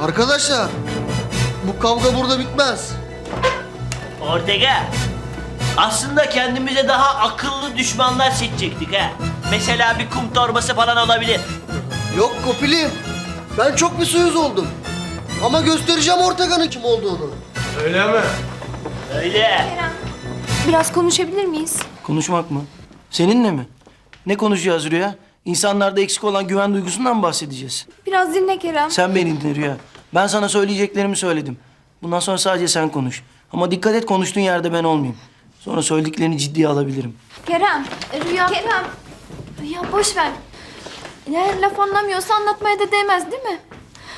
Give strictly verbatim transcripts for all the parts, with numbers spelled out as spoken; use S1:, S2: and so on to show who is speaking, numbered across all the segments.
S1: Arkadaşlar, bu kavga burada bitmez.
S2: Ortega, aslında kendimize daha akıllı düşmanlar seçecektik ha. Mesela bir kum torbası falan olabilir.
S1: Yok Kopilim, ben çok bir suyuz oldum. Ama göstereceğim Ortega'nın kim olduğunu.
S3: Öyle mi?
S2: Öyle.
S4: Kerem, biraz konuşabilir miyiz?
S5: Konuşmak mı? Seninle mi? Ne konuşacağız Rüya? İnsanlarda eksik olan güven duygusundan mı bahsedeceğiz?
S4: Biraz dinle Kerem.
S5: Sen beni dinle Rüya. Ben sana söyleyeceklerimi söyledim. Bundan sonra sadece sen konuş. Ama dikkat et, konuştuğun yerde ben olmayayım. Sonra söylediklerini ciddiye alabilirim.
S4: Kerem, Rüya. Kerem, Rüya boş ver. Eğer laf anlamıyorsa anlatmaya da değmez değil mi?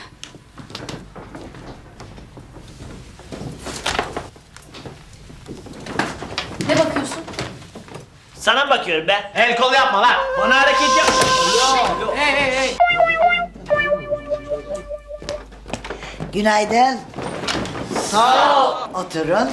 S4: Ne bakıyorsun?
S2: Sana mı bakıyorum ben? El kol yapma lan. Bana hareket yapma. Yok, yok.
S3: Hey hey hey.
S6: Günaydın. Sağ ol. Oturun.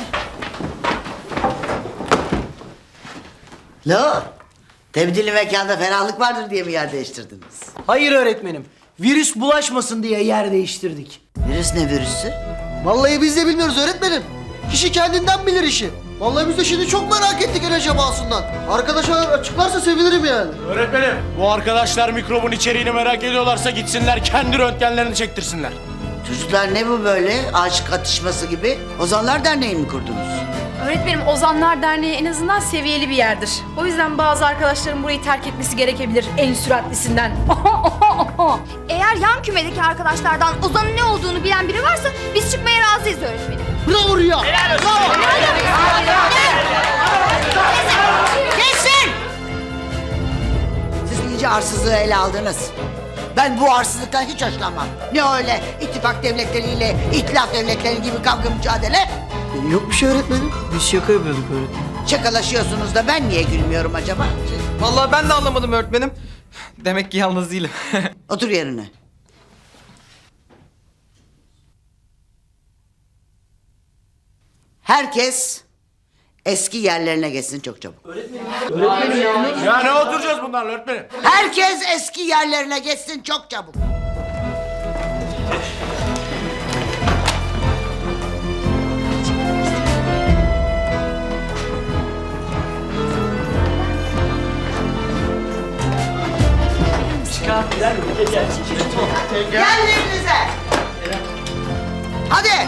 S6: Lo, tebdili mekanda ferahlık vardır diye mi yer değiştirdiniz?
S5: Hayır öğretmenim. Virüs bulaşmasın diye yer değiştirdik.
S6: Virüs ne virüsü?
S1: Vallahi biz de bilmiyoruz öğretmenim. Kişi kendinden bilir işi. Vallahi biz de şimdi çok merak ettik el acabasından. Arkadaşlar açıklarsa sevinirim yani.
S3: Öğretmenim, bu arkadaşlar mikrobun içeriğini merak ediyorlarsa gitsinler kendi röntgenlerini çektirsinler.
S6: Çocuklar ne bu böyle? Aşık atışması gibi. Ozanlar Derneği mi kurdunuz?
S7: Öğretmenim, Ozanlar Derneği en azından seviyeli bir yerdir. O yüzden bazı arkadaşların burayı terk etmesi gerekebilir en süratlisinden.
S4: Eğer yan kümedeki arkadaşlardan Ozan'ın ne olduğunu bilen biri varsa biz çıkmaya razıyız öğretmenim.
S1: Bravo Rüya.
S6: Kesin! Siz iyice arsızlığı ele aldınız. Ben bu arsızlıktan hiç hoşlanmam. Ne öyle ittifak devletleriyle itilaf devletleri gibi kavga mücadele?
S1: Yok bir şey öğretmenim.
S5: Biz şaka yapıyorduk öğretmenim.
S6: Şakalaşıyorsunuz da ben niye gülmüyorum acaba?
S8: Vallahi ben de anlamadım öğretmenim. Demek ki yalnız değilim.
S6: Otur yerine. Herkes eski yerlerine geçsin çok çabuk.
S3: Ya ne oturacağız bunlarla öğretmenim?
S6: Herkes eski yerlerine geçsin çok çabuk. Yerlerinize. Hadi.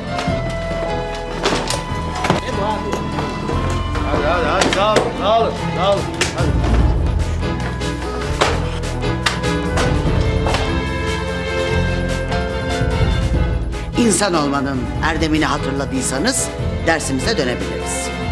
S3: Hadi hadi hadi sağ olun sağ olun sağ olun. Hadi.
S6: İnsan olmanın erdemini hatırladıysanız dersimize dönebiliriz.